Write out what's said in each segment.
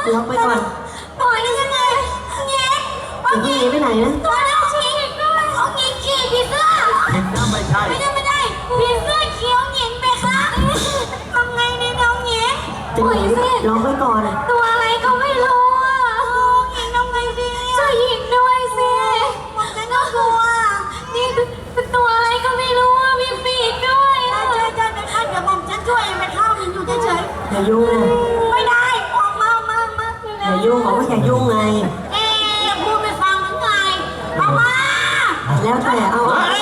ล็อกไปก่อนปล่อยได้ยังไงเงี้ยเอาเงี้ยไปไหนนะตัวเราชี้ด้วยเอาเงี้ยขี่ผีเสื้อไม่ใช่ไม่ได้ผีเสื้อเขียวเงี้ยไปคะทำไงเนี่ยน้องเงี้ยปล่อยสิล็อกไว้ก่อนตัวอะไรก็ไม่รู้อ่ะเงี้ยน้องไงสิช่วยหญิงด้วยสิมันจะน่ากลัวนี่เป็นตัวอะไรก็ไม่รู้อ่ะมีปีกด้วยใช่ไปค่ะเดี๋ยวผมจะช่วยไปเข้ามันอยู่เฉยๆอย่ายุ่งไม่ได้ออกมาอย่ายุ่งบอกว่าอย่ายุ่งไงพูดไม่ฟังหรือไงเอามาแล้วแต่เอาออกไง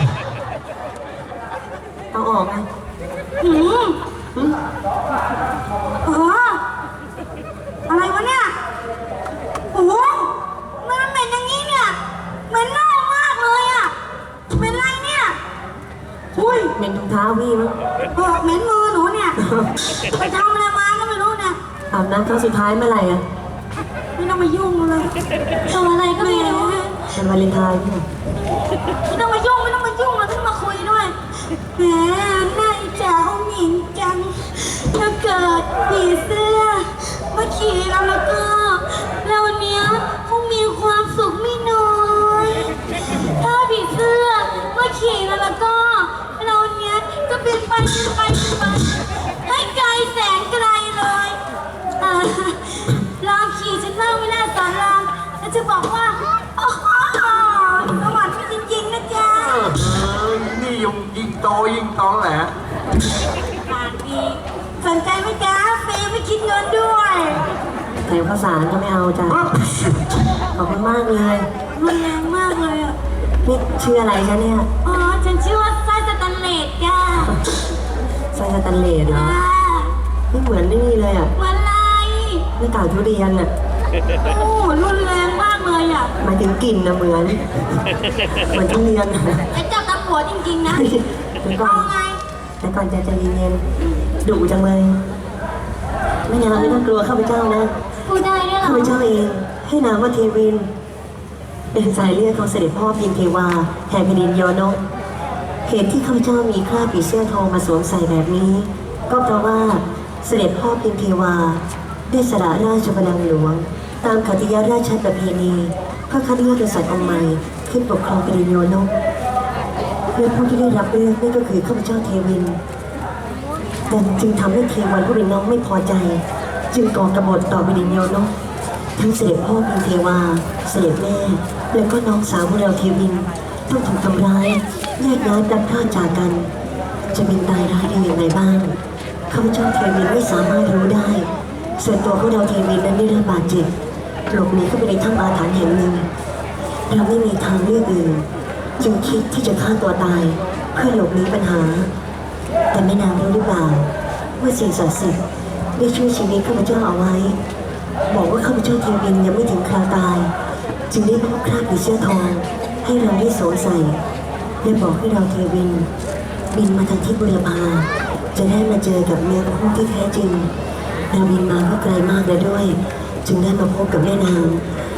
อะไรวะเนี่ยโอ้โหมันเหม็นอย่างนี้เนี่ยเหม็นเน่ามากเลยอ่ะเหม็นอะไรเนี่ยอุ้ยเหม็นถุงเท้าพี่มั้งเหม็นมือหนูเนี่ยไปทำอะไรมาก็ไม่รู้เนี่ยอาบน้ำครั้งสุดท้ายเมื่อไหร่อ่ะไม่ต้องมายุ่งเลยตัวอะไรก็ไม่รู้เป็นวาเลนไทน์พี่ไม่ต้องมายุ่งเราต้องมาคุยด้วยแหมน่าอิจฉาองหญิงจังถ้าเกิดผีเสื้อมาขี่เราแล้วก็เราเนี้ยคงมีความสุขไม่น้อยถ้าผีเสื้อมาขี่เราแล้วก็เราเนี้ยจะเป็นไปให้ไกลแสนไกลเลยลองขี่ฉันบ้างไม่น่าสอนลองแล้วจะบอกว่าโอ้โหสวรรค์จริงๆนะจ๊ะนี่ยิ่งโตยิ่งตองแหละปากดีสนใจไหมจ๊ะเฟย์ไม่คิดเงินด้วยแต่ข้าวสารก็ไม่เอาจ้ะขอบคุณมากเลยรุนแรงมากเลยอ่ะนี่ชื่ออะไรจ๊ะเนี่ยอ๋อฉันชื่อว่าไส้สแตนเลสจ้ะไส้สแตนเลสเหรอไม่เหมือนนี่เลยอ่ะเหมือนอะไรไม่เก่าทุเรียนอ่ะโอ้รุนแรงมากเลยอ่ะหมายถึงกลิ่นนะเหมือนทุเรียนไอ้เจ้าตาผัวจริงๆนะเอาไงแต่ก่อนจะใจเย็นๆดุจังเลยไม่งั้นไม่ต้องกลัวข้าพเจ้านะพูดได้ด้วยเหรอข้าพเจ้าเองให้นามว่าเทวินเป็นสายเลือดของเสด็จพ่อพิมเทวาแห่งแผ่นดินโยนกเหตุที่ข้าพเจ้ามีคราบผีเสื้อทองมาสวมใส่แบบนี้ก็เพราะว่าเสด็จพ่อพิมเทวาได้สละราชบัลลังก์หลวงตามขัตติยราชประเพณีเพื่อคัดเลือกกษัตริย์องค์ใหม่ขึ้นปกครองแผ่นดินโยนกและผู้ที่ได้รับเลือกนั่นก็คือข้าพเจ้าเทวินแต่จึงทำให้เทวันผู้เป็นน้องไม่พอใจจึงก่อกบฏต่อแผ่นดินโยนกทั้งเสด็จพ่อพิมเทวาเสด็จแม่และก็น้องสาวของเราเทวินต้องถูกทำร้ายแยกย้ายพลัดพรากจากกันจะเป็นตายร้ายได้อย่างไรบ้างข้าพเจ้าเทวินไม่สามารถรู้ได้ส่วนตัวของเราเทวินนั้นได้รับบาดเจ็บหลบหนีเข้าไปในถ้ำอาถรรพ์แห่งหนึ่งเราไม่มีทางเลือกอื่นจึงคิดที่จะฆ่าตัวตายเพื่อหลบหนีปัญหาแต่แม่นางรู้หรือเปล่าว่าสิ่งศักดิ์สิทธิ์ได้ช่วยชีวิตข้าพเจ้าเอาไว้บอกว่าข้าพเจ้าเทวินยังไม่ถึงคราวตายจึงได้มอบคราบผีเสื้อทองให้เราได้สวมใส่และบอกให้เราเทวินบินมาทางทิศบุรพาจะได้มาเจอกับเนื้อคู่ที่แท้จริงเราบินมาก็ไกลมากแล้วด้วยจึงได้มาพบกับแม่นาง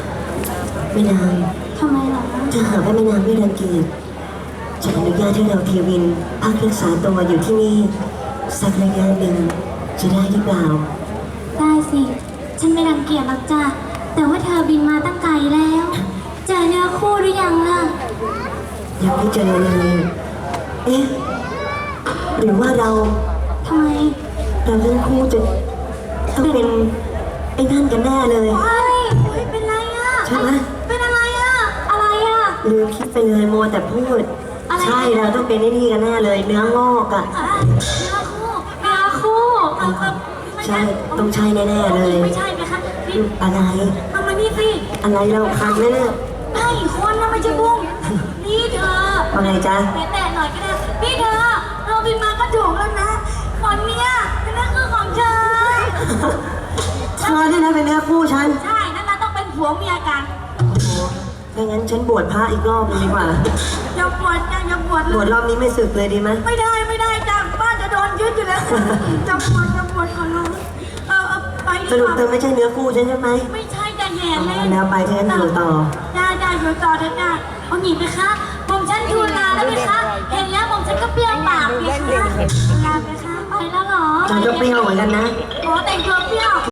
ทำไมล่ะถ้าหากว่าแม่นางไม่รังเกียจจะอนุญาตให้เราเทวินพักรักษาตัวอยู่ที่นี่สักระยะหนึ่งจะได้หรือเปล่าได้สิฉันไม่รังเกียจหรอกจ้ะแต่ว่าเธอบินมาตั้งไกลแล้วเจอเนื้อคู่หรือยังล่ะยังไม่เจอเลยเอ๊ะหรือว่าเราทำไมเราเรื่องคู่จะต้องเป็นไอ้นั่นกันแน่เลยเป็นไรอ่ะใช่ไหมเป็นอะไรอ่ะลืมคิดไปเลยมัวแต่พูดใช่เราต้องเป็นไอ้นี่กันแน่เลยเนื้องอกอ่ะเนื้อคู่ใช่ต้องใช่แน่ๆเลยไม่ใช่ไหมคะอะไรทำมานี่สิอะไรเราคันแน่ไอ้คนนะไม่ใช่บุ้งนี่เธออะไรจ๊ะแต่หน่อยก็ได้พี่เธอเราบินมาก็ถูกแล้วนะคนเนี้ยเป็นเนื้อคู่ของเธอเนี่ยนะเป็นเนื้อคู่ฉันใช่นั่นเราต้องเป็นผัวเมียกันถ้างั้นฉันบวชพระอีกรอบนึงดีกว่าอย่าบวชจ้ะอย่าบวชบวชรอบนี้ไม่สึกเลยดีไหมไม่ได้จ้ะบ้านจะโดนยึดอยู่แล้วจะบวชก่อนเลยไปสรุปเธอไม่ใช่เนื้อคู่ฉันใช่ไหมไม่ใช่จ้ะแย่เลยแล้วไปฉันอยู่ต่อได้อยู่ต่อเถอะจ้ะเอาหนีไปคะผมฉันทูลลาแล้วไหมคะเห็นแล้วผมฉันก็เปรี้ยวปากเลยค่ะลาไปคะไปแล้วเหรอฉันก็เปรี้ยวเหมือนกันนะโอ้แต่งตัวเปรี้ยว